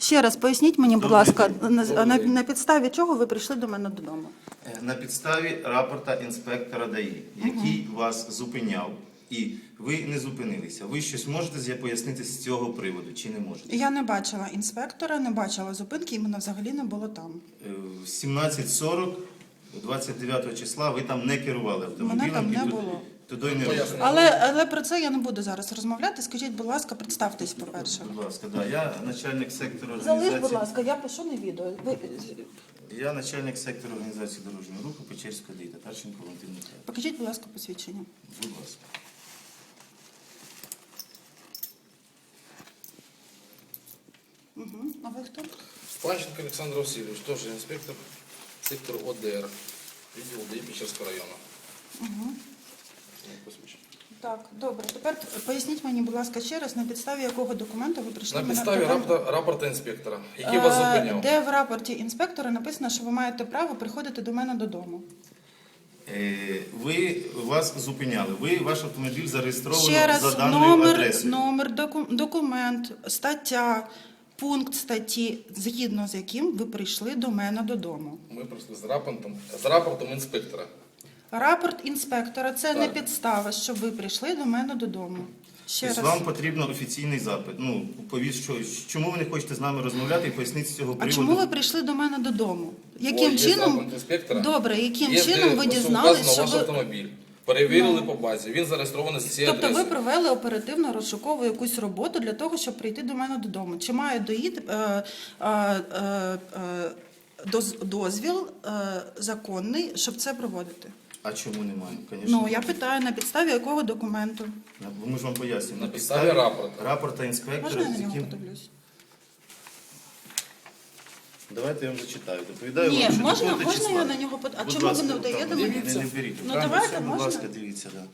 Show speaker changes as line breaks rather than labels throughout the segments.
Ще раз поясніть мені, будь
Добрий
ласка,
день.
на підставі чого ви прийшли до мене додому?
На підставі рапорта інспектора ДАІ, який вас зупиняв, і ви не зупинилися. Ви щось можете пояснити з цього приводу, чи не можете?
Я не бачила інспектора, не бачила зупинки, і мене взагалі не було там.
В 17:40, 29 числа, ви там не керували автомобілем.
Мене там
і
не було.
Туди не рухали.
Але про це я не буду зараз розмовляти. Скажіть, будь ласка, представтесь, по-перше.
Будь ласка, да. Я начальник сектору
Залиш,
організації.
будь ласка, я пишу на відео.
Я начальник сектору організації дорожнього руху Печерського ДАІ, Татарченко Валентин Михайлович.
Покажіть, будь ласка, посвідчення.
Будь ласка.
А ви хто?
Панченко Олександр Васильович, теж інспектор сектору ОДР, відділ ДАІ Печерського району.
Так, добре. Тепер поясніть мені, будь ласка, ще раз, на підставі якого документу ви прийшли
На
мене
підставі
додому?
рапорта інспектора, який вас зупиняв.
Де в рапорті інспектора написано, що ви маєте право приходити до мене додому?
Вас зупиняли. Ваш автомобіль зареєстровано
Ще раз,
за даною адресою.
номер, документ, стаття, пункт статті, згідно з яким ви прийшли до мене додому.
Ми прийшли з рапортом інспектора.
Рапорт інспектора – це не
Так.
підстава, щоб ви прийшли до мене додому. Ще
Тобто
раз.
вам потрібен офіційний запит. Ну, чому ви не хочете з нами розмовляти і поясніть з цього
А
приводу?
чому ви прийшли до мене додому? Яким
Є
чином?
запит інспектора.
Добре, яким
Є,
чином
де
ви
ось
дізналися,
вказано
що
ваш
ви...
автомобіль. Перевірили по базі, він зареєстрований з цієї
Тобто ви
адреси.
провели оперативно-розшукову якусь роботу для того, щоб прийти до мене додому. Чи має дозвіл законний, щоб це проводити?
А чому немає? Конечно.
Ну, я питаю, на підставі якого документу?
Ми ж вам пояснюємо.
На підставі рапорта.
Рапорта інспектора,
Можна я на
з
нього
яким...
подивлюсь?
Давайте я вам зачитаю. Доповідаю
Ні,
вам, що
можна
такого-то числа.
я на нього подивлюсь? А
Будь
чому
ласка,
ви не даєте
там,
мені?
не беріть.
Ну,
Там
давайте,
все, будь
можна?
ласка, дивіться. Да.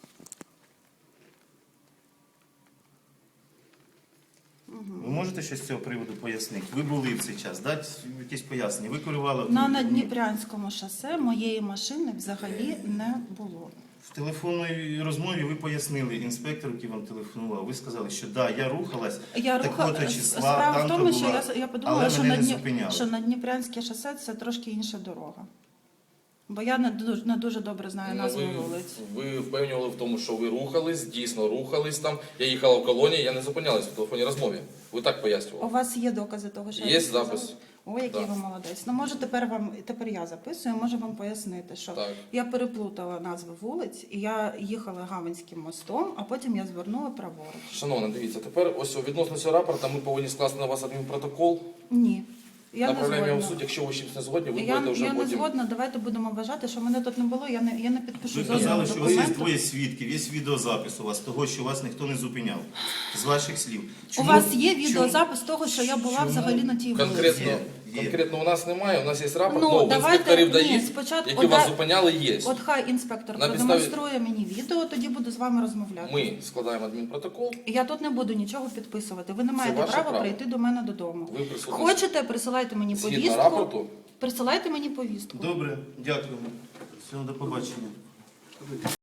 Ви можете щось з цього приводу пояснити? Ви були в цей час, дати якісь пояснення. Ви керували
На
автомобілем.
Надніпрянському шосе моєї машини взагалі не було.
В телефонній розмові ви пояснили інспектору, який вам телефонував. Ви сказали, що да, я рухалась такого-то числа,
Справа в
там-то
тому, що
була,
я подумала,
але
що
мене не зупиняли.
що Надніпрянське шосе – це трошки інша дорога. Бо я не дуже добре знаю назву вулиць.
Ви впевнювали в тому, що ви рухались, дійсно рухались там. Я їхала в колонії, я не зупинялась в телефонній розмові. Ви так
У
пояснювали.
вас є докази того, що
Є
я сказала?
запис.
О, який
Так.
ви молодець. Ну, може, тепер я записую, можу вам пояснити, що
Так.
я переплутала назви вулиць, і я їхала Гаванським мостом, а потім я звернула праворуч.
Шановна, дивіться, тепер ось відносно цього рапорта ми повинні скласти на вас адмінпротокол.
Ні. Я не
Направляємо його в
згодна.
суд, якщо ви з чимось не згодні, ви
Я
будете вже
не
потім.
згодна, давайте будемо вважати, що мене тут не було, я не підпишу
Ви
жодного
казали, що у вас є
документу.
двоє свідків, є відеозапис у вас того, що вас ніхто не зупиняв. З ваших слів.
У вас є відеозапис того, що я була
чому?
взагалі на тій вулиці?
Конкретно у нас немає, у нас є рапорт,
Ну,
ну,
давайте-
інспекторів
ні,
дають,
спочатку
які вас
дай-
зупиняли, є.
От хай інспектор
На підставі-
продемонструє мені відео, тоді буду з вами розмовляти.
Ми складаємо адмінпротокол.
Я тут не буду нічого підписувати. Ви не маєте
ваше
права
право.
прийти до мене додому.
Ви присутні.
Хочете, присилайте мені
Згідно
повістку.
рапорту.
Присилайте мені повістку.
Добре, дякую. Всього до побачення.